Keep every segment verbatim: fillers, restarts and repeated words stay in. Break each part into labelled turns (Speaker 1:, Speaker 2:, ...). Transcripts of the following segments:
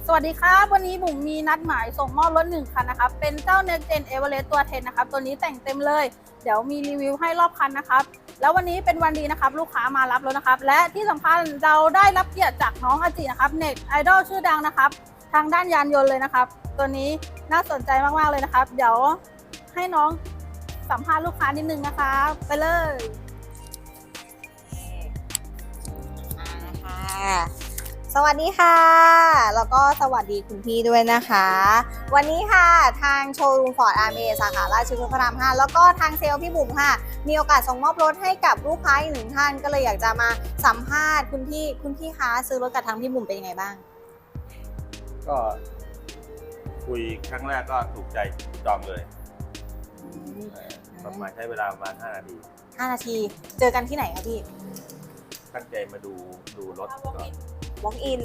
Speaker 1: สวัสดีครับวันนี้บุ๋มมีนัดหมายส่งมอบรถหนึ่งคันนะครับเป็นเจ้า Next Gen Everest ตัว สิบนะครับตัวนี้แต่งเต็มเลยเดี๋ยวมีรีวิวให้รอบคันนะครับแล้ววันนี้เป็นวันดีนะครับลูกค้ามารับรถนะครับและที่สำคัญเราได้รับเกียรติจากน้องอาจินะครับเน็ตไอดอลชื่อดังนะครับทางด้านยานยนต์เลยนะครับตัวนี้น่าสนใจมากๆเลยนะครับเดี๋ยวให้น้องสัมภาษณ์ลูกค้านิดนึงนะคะไปเลย
Speaker 2: ค่ะสวัสดีค่ะแล้วก็สวัสดีคุณพี่ด้วยนะคะวันนี้ค่ะทางโชว์รูมฟอร์ดอาร์เมสาขาราชพฤกษ์พระรามห้าแล้วก็ทางเซลล์พี่บุ๋มค่ะมีโอกาสส่งมอบรถให้กับลูกค้าอีกหนึ่งท่านก็เลยอยากจะมาสัมภาษณ์คุณพี่คุณพี่คะซื้อรถกับทางพี่บุ๋มเป็นยังไงบ้าง
Speaker 3: ก็คุยครั้งแรกก็ถูกใจจองเลยประมาณใช้เวลาประมาณห้านาที
Speaker 2: ห้านาทีเจอกันที่ไหนคะพี่
Speaker 3: ตั้งใจมาดูดูรถก่อน
Speaker 2: walk in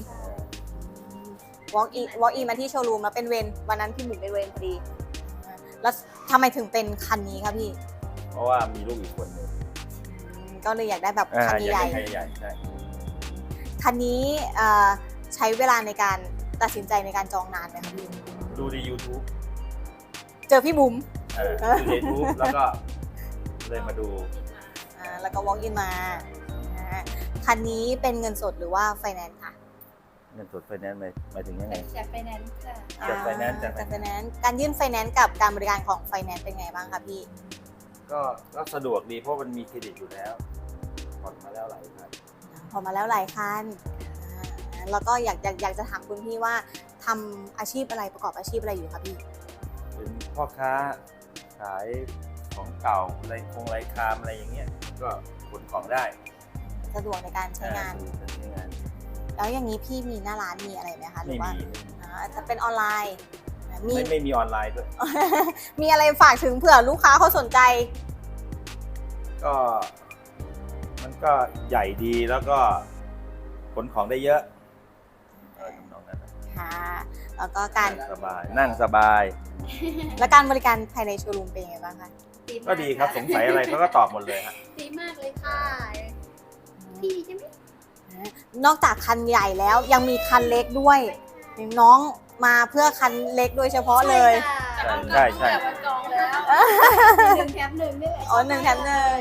Speaker 2: walk in walk in มาที่โชว์รูมแล้วเป็นเวรวันนั้นพี่บุ๋มเป็นเวรพอดีแล้วทำไมถึงเป็นคันนี้คะพี่
Speaker 3: เพราะว่ามีลูกอีกคนหนึ่ง
Speaker 2: ก็เลยอยากได้แบบคันใหญ่
Speaker 3: ใหญ่ใช่
Speaker 2: คันนี้ใช้เวลาในการตัดสินใจในการจองนานไหมคะพี่
Speaker 3: ดูใน YouTube
Speaker 2: เจอพี่บุ๋ม
Speaker 3: ดูใน YouTube แล้วก็เลยมาดู
Speaker 2: แล้วก็ walk in มาคันนี้เป็นเงินสดหรือว่าไฟแนนซ์ค่ะ
Speaker 3: เงินสดไฟแนนซ์หมายหมายถึงยังไง
Speaker 1: จากไฟแนนซ์ค่ะ
Speaker 3: จากไฟแนนซ์จาก
Speaker 2: ไฟแนนซ์การยื่นไฟแนนซ์กับการบริการของไฟแนนซ์เป็นไงบ้างคะพี่
Speaker 3: ก็ก็สะดวกดีเพราะมันมีเครดิตอยู่แล้วผ่อนมาแล้วหลายคัน
Speaker 2: ผ่อนมาแล้วหลายคันแล้วก็อยากอยากอยากจะถามคุณพี่ว่าทำอาชีพอะไรประกอบอาชีพอะไรอยู่คะพี่
Speaker 3: เป็นพ่อค้าขายของเก่าอะไรคงไรคามอะไรอย่างเงี้ยก็ขนของได้
Speaker 2: สะดวกในการใช้งานแล้วอย่างนี้พี่มีหน้าร้านมีอะไรไหมคะหรือว่าจะเป็นออนไลน์
Speaker 3: ไม่ไม่มีออนไลน์ด้วย
Speaker 2: มีอะไรฝากถึงเผื่อลูกค้าเขาสนใจ
Speaker 3: ก็มันก็ใหญ่ดีแล้วก็ขนของได้เยอะอะไรทำนองนั้น
Speaker 2: ค่ะแล้วก็การ
Speaker 3: สบายนั่งสบาย
Speaker 2: และการบริการภายในโชว์รูมเป็นยังไงบ้างคะ
Speaker 3: ก็ดีครับสงสัยอะไรเขาก็ตอบหมดเลยครับ
Speaker 1: ดีมากเลยค่ะพี่ใช่ไหม
Speaker 2: นอกจากคันใหญ่แล้วยังมีคันเล็กด้วยน้องมาเพื่อคันเล็กโดยเฉพาะเลย
Speaker 3: ใช่ใช่
Speaker 1: จองแล้วหนึ่งแถมหนึ่งนี่แหละ
Speaker 2: อ๋อหนึ่งแถมหนึ่ง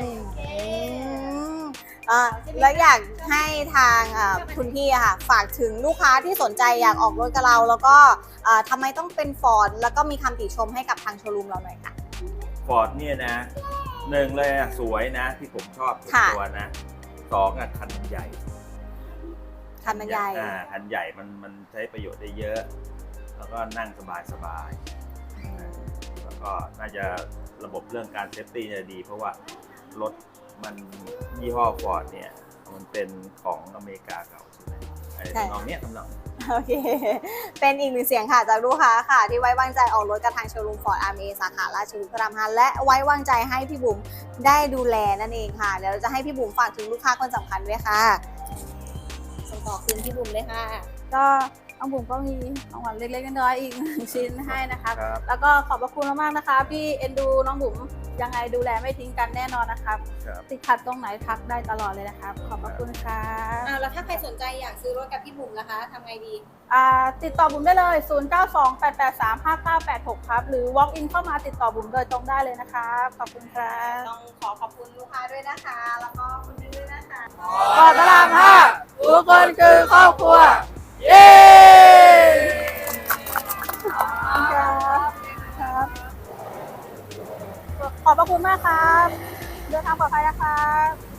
Speaker 2: แล้วอยากให้ทางคุณพี่ค่ะฝากถึงลูกค้าที่สนใจอยากออกรถกับเราแล้วก็ทำไมต้องเป็นฟอร์ดแล้วก็มีคำติชมให้กับทางโชว์รูมเราหน่อยค่ะ
Speaker 3: ฟอร์ดเนี่ยนะหนึ่งเลยอ่ะสวยนะที่ผมชอบตัวนะสองอ่ะคันใหญ่
Speaker 2: คันมันใหญ่
Speaker 3: อ่าคันใหญ่มันมันใช้ประโยชน์ได้เยอะแล้วก็นั่งสบายสบายแล้วก็น่าจะระบบเรื่องการเซฟตี้จะดีเพราะว่ารถมันยี่ห้อฟอร์ดเนี่ยมันเป็นของอเมริกาเก่าใช่ไหมไอ้ทำนองเนี้ยทำนอง
Speaker 2: โอเคเป็นอีกหนึ่งเสียงค่ะจากลูกค้าค่ะที่ไว้วางใจออกรถกับทางโชว์รูมฟอร์ดอาร์เมสาขาราชพฤกษ์พระรามห้าและไว้วางใจให้พี่บุ๋มได้ดูแลนั่นเองค่ะเดี๋ยวเราจะให้พี่บุ๋มฝากถึงลูกค้าคนสำคัญด้วยค่ะส่งต่อคืนพี่บุ๋มเลยค่ะ
Speaker 1: ก็น้องบุ๋มก็มีของขวัญเล็กๆน้อยๆอีกหนึ่งชิ้นให้นะคะแล้วก็ขอบพระคุณมากๆนะคะพี่เอ็นดูน้องบุ๋มยังไงดูแลไม่ทิ้งกันแน่นอนนะครับติดขัดตรงไหนทักได้ตลอดเลยนะครับขอบพระคุณค่ะ
Speaker 2: อ่าแล้วถ้าใครสนใจอยากซื้อรถกับพี่บุ๋มนะคะทำไงดี
Speaker 1: อ่าติดต่อบุ๋มได้เลยศูนย์ เก้า สอง แปด แปด สาม ห้า เก้า แปด หกครับหรือ walk in เข้ามาติดต่อบุ๋มโดยตรงได้เลยนะครับขอบคุณครับ
Speaker 2: ต้องขอขอบคุณลูกค้าด้วยนะคะแล้วก็คุณพี่ด้วยนะคะ
Speaker 1: ฟอร์ดพระรามห้าทุกคนคือครอบครัวเย้ขอบพระคุณมากครับเดินทางปลอดภัยนะครับ